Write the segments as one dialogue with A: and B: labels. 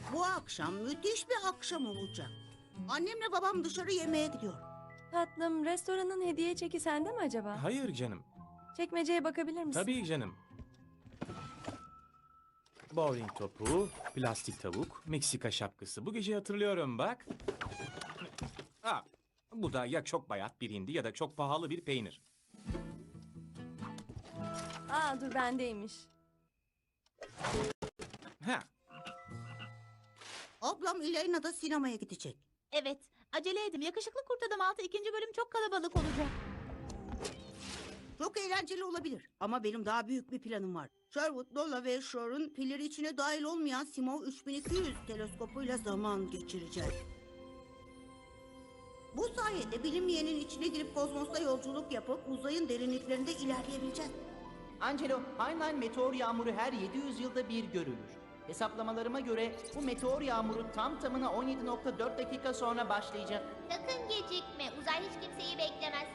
A: Bu akşam müthiş bir akşam olacak. Annemle babam dışarı yemeğe gidiyor.
B: Tatlım, restoranın hediye çeki sende mi acaba?
C: Hayır canım.
B: Çekmeceye bakabilir misin?
C: Tabii canım. Bowling topu, plastik tavuk, Meksika şapkası. Bu gece hatırlıyorum bak. Bu da ya çok bayat bir hindi ya da çok pahalı bir peynir.
B: Dur bendeymiş.
C: Ha,
A: Ablam Elena da sinemaya gidecek.
D: Evet, acele edin. Yakışıklı Kurt Adam 6 ikinci bölüm çok kalabalık olacak.
A: Çok eğlenceli olabilir ama benim daha büyük bir planım var. Sherwood, Lola ve Shore'un pilleri içine dahil olmayan Simov 3200 teleskopuyla zaman geçireceğiz. Bu sayede bilinmeyenin içine girip kozmosta yolculuk yapıp uzayın derinliklerinde ilerleyebileceğiz.
E: Angelo, Heinlein meteor yağmuru her 700 yılda bir görülür. Hesaplamalarıma göre bu meteor yağmuru tam tamına 17,4 dakika sonra başlayacak.
F: Sakın gecikme. Uzay hiç kimseyi beklemez.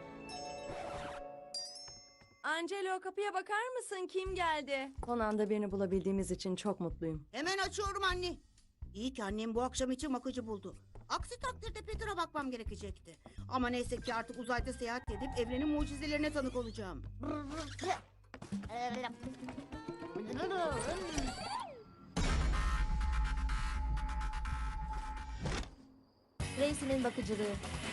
B: Angelo, kapıya bakar mısın? Kim geldi? Son anda birini bulabildiğimiz için çok mutluyum.
A: Hemen açıyorum anne. İyi ki annem bu akşam için bakıcı buldu. Aksi takdirde Peter'a bakmam gerekecekti. Ama neyse ki artık uzayda seyahat edip evrenin mucizelerine tanık olacağım.
B: Tracy'nin bakıcılığı.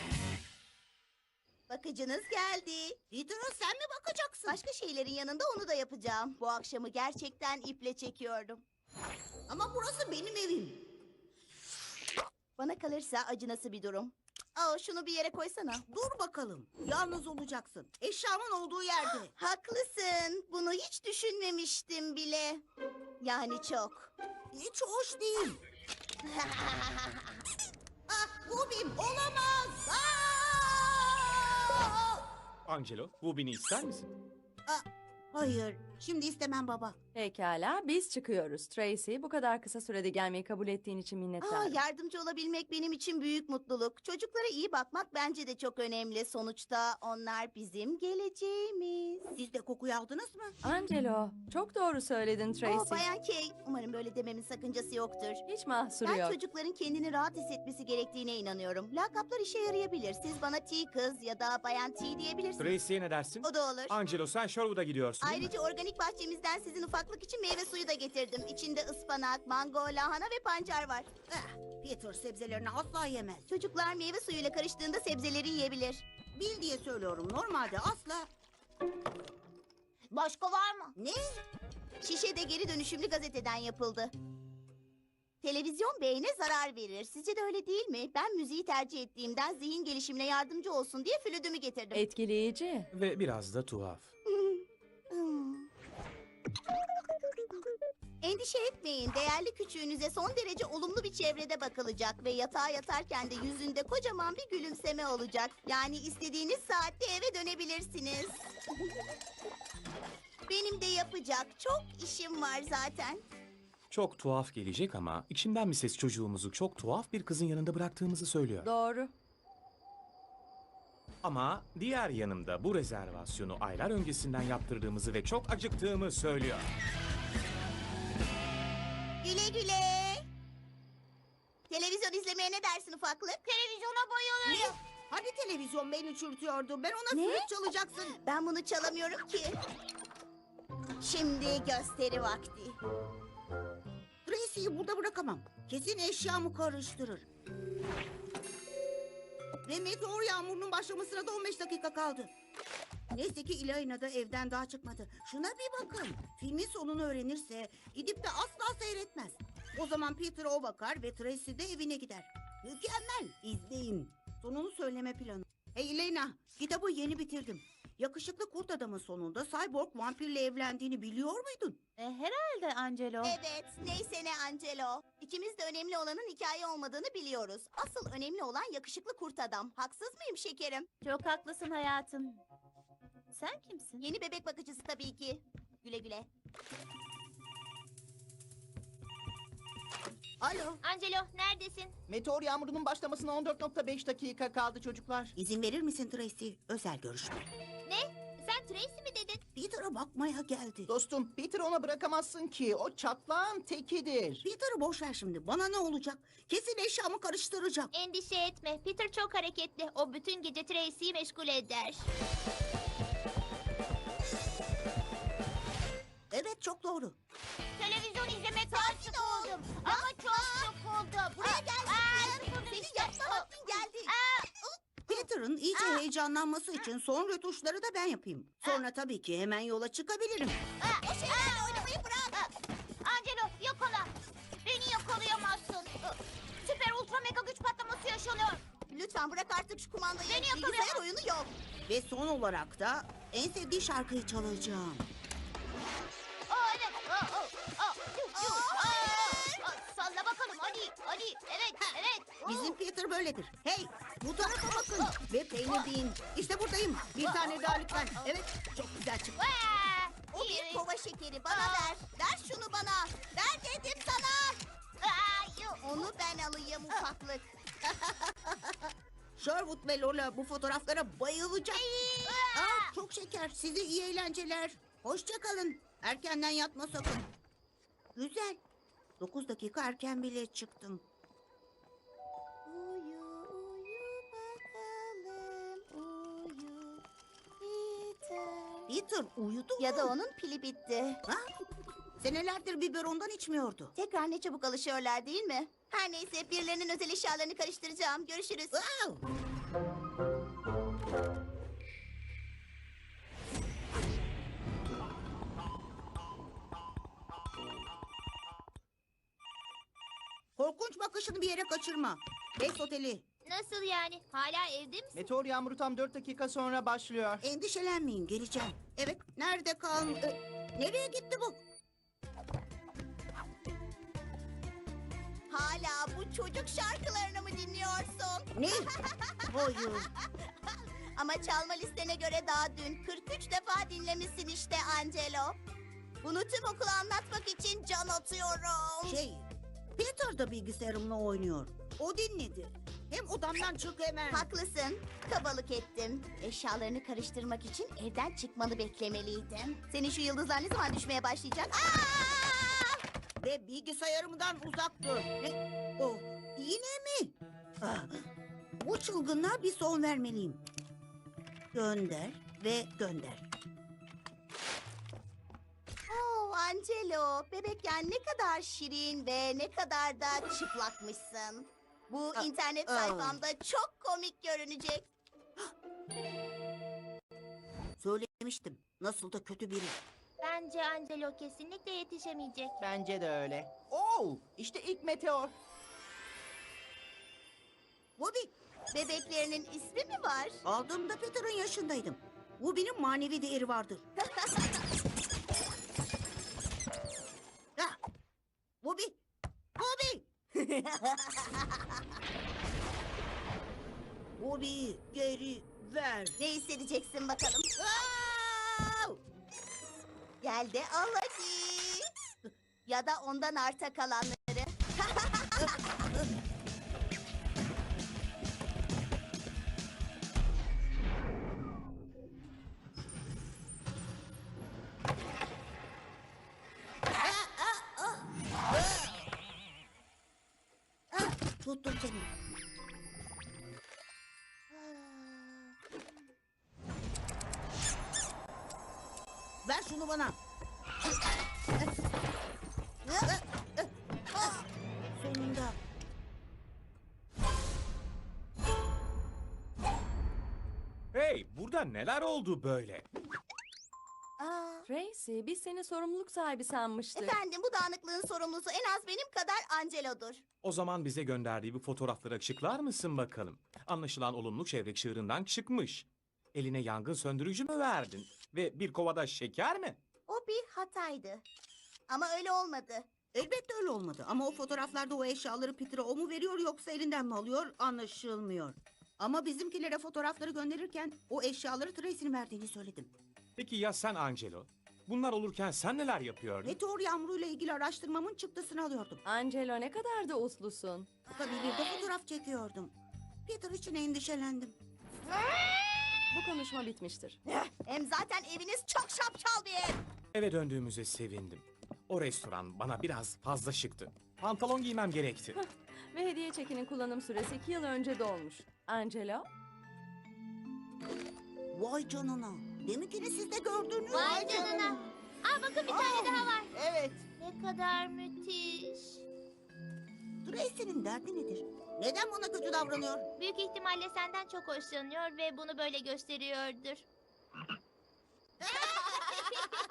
G: Bakıcınız geldi.
A: Peter'a sen mi bakacaksın?
G: Başka şeylerin yanında onu da yapacağım. Bu akşamı gerçekten iple çekiyordum.
A: Ama burası benim evim.
G: Bana kalırsa acınası bir durum. Şunu bir yere koysana.
A: Dur bakalım. Yalnız olacaksın. Eşyamın olduğu yerde.
G: Haklısın. Bunu hiç düşünmemiştim bile. Yani çok.
A: Hiç hoş değil. Bu benim olamaz.
C: Angelo, bu beni ister misin?
A: Hayır. Şimdi istemem baba.
B: Pekala, biz çıkıyoruz. Tracy, bu kadar kısa sürede gelmeyi kabul ettiğin için minnettarım.
G: Yardımcı olabilmek benim için büyük mutluluk. Çocuklara iyi bakmak bence de çok önemli. Sonuçta onlar bizim geleceğimiz.
A: Siz de kokuyu aldınız mı?
B: Angelo, çok doğru söyledin Tracy.
G: Bayan Kay, umarım böyle dememin sakıncası yoktur.
B: Hiç mahsuru
G: Ben
B: yok.
G: çocukların kendini rahat hissetmesi gerektiğine inanıyorum. Lakaplar işe yarayabilir. Siz bana T kız ya da Bayan T diyebilirsiniz.
C: Tracy'ye ne dersin?
G: O da olur.
C: Angelo, sen Sherwood'a gidiyorsun değil mi?
G: Ayrıca organik bahçemizden sizin ufaklık için meyve suyu da getirdim. İçinde ıspanak, mango, lahana ve pancar var.
A: Peter sebzelerini asla yemez.
G: Çocuklar meyve suyuyla karıştığında sebzeleri yiyebilir.
A: Bil diye söylüyorum. Normalde asla...
F: Başka var mı?
A: Ne?
G: Şişe de geri dönüşümlü gazeteden yapıldı. Televizyon beyne zarar verir. Sizce de öyle değil mi? Ben müziği tercih ettiğimden zihin gelişimine yardımcı olsun diye flütümü getirdim.
B: Etkileyici.
C: Ve biraz da tuhaf.
G: Endişe etmeyin. Değerli küçüğünüze son derece olumlu bir çevrede bakılacak ve yatağa yatarken de yüzünde kocaman bir gülümseme olacak. Yani istediğiniz saatte eve dönebilirsiniz. Benim de yapacak çok işim var zaten.
C: Çok tuhaf gelecek ama içimden bir ses çocuğumuzu çok tuhaf bir kızın yanında bıraktığımızı söylüyor.
B: Doğru.
C: Ama diğer yanımda bu rezervasyonu aylar öncesinden yaptırdığımızı ve çok acıktığımı söylüyor.
G: Güle güle. Televizyon izlemeye ne dersin ufaklık?
F: Televizyona bayılırım.
A: Hani televizyon beni çürütüyordu. Ben ona flüt çalacaksın.
G: Ben bunu çalamıyorum ki. Şimdi gösteri vakti.
A: Tracy'yi burada bırakamam. Kesin eşyamı karıştırır. Ve meteor yağmurunun başlamasına da 15 dakika kaldı. Neyse ki Elena da evden daha çıkmadı. Şuna bir bakın. Filmin sonunu öğrenirse gidip de asla seyretmez. O zaman Peter'a o bakar ve Tracy de evine gider. Mükemmel. İzleyin. Sonunu söyleme planı. Hey Elena, kitabı yeni bitirdim. Yakışıklı kurt adamın sonunda cyborg vampirle evlendiğini biliyor muydun?
D: Herhalde Angelo.
G: Evet, neyse ne Angelo. İkimiz de önemli olanın hikaye olmadığını biliyoruz. Asıl önemli olan yakışıklı kurt adam. Haksız mıyım şekerim?
D: Çok haklısın hayatım. Sen kimsin?
G: Yeni bebek bakıcısı tabii ki. Güle güle.
A: Alo,
F: Angelo neredesin?
E: Meteor yağmurunun başlamasına 14,5 dakika kaldı çocuklar.
A: izin verir misin Tracy? Özel görüşme.
F: Ne? Sen Tracy mi dedin?
A: Peter'a Bana bakmaya geldi.
E: Dostum, Peter ona bırakamazsın ki. O çatlağın tekidir.
A: Peter'ı boş ver şimdi. Bana ne olacak? Kesin eşyamı karıştıracak.
F: Endişe etme. Peter çok hareketli. O bütün gece Tracy'yi meşgul eder.
A: Evet, çok doğru.
F: Televizyon izlemekten sıkıldım. Ama çok sıkıldım.
G: Buraya gel. Seni
F: işte.
G: yapma vaktin geldi.
A: Peter'ın iyice heyecanlanması için son rötuşları da ben yapayım. Sonra tabii ki hemen yola çıkabilirim.
G: O şeylerle oynamayı bırak.
F: Angelo yakala. Beni yakalayamazsın. Süper ultra mega güç patlaması yaşanıyor.
G: Lütfen bırak artık şu kumandayı.
F: Beni
G: Bilgisayar
F: yakalayamaz.
G: oyunu yok.
A: Ve son olarak da en sevdiği şarkıyı çalacağım.
F: Evet. Salla bakalım hadi. Hadi. Evet. Evet.
A: Bizim Peter böyledir. Hey, bu tarafa bakın. Ve peynir deyin. İşte buradayım. Bir tane daha lütfen. Evet, çok güzel çıktı.
G: O bir kova şekeri. Bana ver. Ver şunu bana. Ver dedim sana. Onu ben alayım ufaklık.
A: Sherwood ve Lola bu fotoğraflara bayılacak. Aa, çok şeker. Size iyi eğlenceler. Hoşça kalın. Erkenden yatma sakın. Güzel. 9 dakika erken bile çıktım.
G: Uyu uyu bakalım. Uyu. Peter.
A: Peter uyudu
G: Ya
A: mu?
G: da onun pili bitti.
A: Ha? Senelerdir biberondan içmiyordu.
G: Tekrar ne çabuk alışıyorlar değil mi? Her neyse birilerinin özel eşyalarını karıştıracağım. Görüşürüz.
A: Wow. Korkunç bakışını bir yere kaçırma. Best Oteli.
F: Nasıl yani? Hala evde misin?
E: Meteor yağmuru tam 4 dakika sonra başlıyor.
A: Endişelenmeyin, geleceğim. Evet, nerede nereye gitti bu?
G: Hala bu çocuk şarkılarını mı dinliyorsun?
A: Ne? Hayır.
G: Ama çalma listene göre daha dün 43 defa dinlemişsin işte Angelo. Bunu tüm okula anlatmak için can atıyorum.
A: Peter da bilgisayarımla oynuyor. O dinledi. Hem odamdan çık hemen.
G: Haklısın. Kabalık ettim. Eşyalarını karıştırmak için evden çıkmanı beklemeliydim. Senin şu yıldızlar ne zaman düşmeye başlayacak? Aa!
A: Ve bilgisayarımdan uzak dur. Ne? Oh, yine mi? Ah, bu çılgınlığa bir son vermeliyim. Gönder ve gönder.
G: Oh Angelo, bebekken ne kadar şirin ve ne kadar da çıplakmışsın. Bu internet sayfamda çok komik görünecek.
A: Söylemiştim. Nasıl da kötü biri.
F: Bence Angelo kesinlikle yetişemeyecek.
E: Bence de öyle. Oo, işte ilk meteor.
A: Bobby,
G: Bebeklerinin ismi mi var?
A: aldığımda Peter'ın yaşındaydım. Bu benim manevi değeri vardır. Ha, Bobby, Bobby. Bobby, geri ver.
G: Ne hissedeceksin bakalım?
A: Au!
G: Gel de al hadi. Ya da ondan arta kalanları.
A: Ah, tuttum seni. Ver şunu bana. Sonunda.
C: Hey, burada neler oldu böyle?
G: Aa,
B: Tracy, biz seni sorumluluk sahibi sanmıştık.
G: efendim bu dağınıklığın sorumlusu en az benim kadar Angelo'dur.
C: O zaman bize gönderdiği bu fotoğrafları açıklar mısın bakalım? Anlaşılan olumlu çevre çığırından çıkmış. Eline yangın söndürücü mü verdin? Ve bir kovada şeker mi?
G: O bir hataydı. Ama öyle olmadı.
A: Elbette öyle olmadı ama o fotoğraflarda o eşyaları Peter'a o mu veriyor yoksa elinden mi alıyor anlaşılmıyor. Ama bizimkilere fotoğrafları gönderirken o eşyaları Tracy'nin verdiğini söyledim.
C: Peki ya sen Angelo? Bunlar olurken sen neler yapıyordun?
A: Meteor yağmuruyla ilgili araştırmamın çıktısını alıyordum.
B: Angelo ne kadar da uslusun.
A: Tabii bir de fotoğraf çekiyordum. Peter için endişelendim.
B: Bu konuşma bitmiştir.
G: Hem zaten eviniz çok şapşal bir ev.
C: Eve döndüğümüze sevindim. O restoran bana biraz fazla şıktı. Pantolon giymem gerekti.
B: Ve hediye çekinin kullanım süresi 2 yıl önce dolmuş. Angelo?
A: Vay canına. Deminkini siz de gördünüz.
F: Vay canına. Aa bakın bir tane daha var.
G: Evet.
F: Ne kadar müthiş.
A: Tracy'nin derdi nedir? Neden bana kötü davranıyor?
F: Büyük ihtimalle senden çok hoşlanıyor ve bunu böyle gösteriyordur.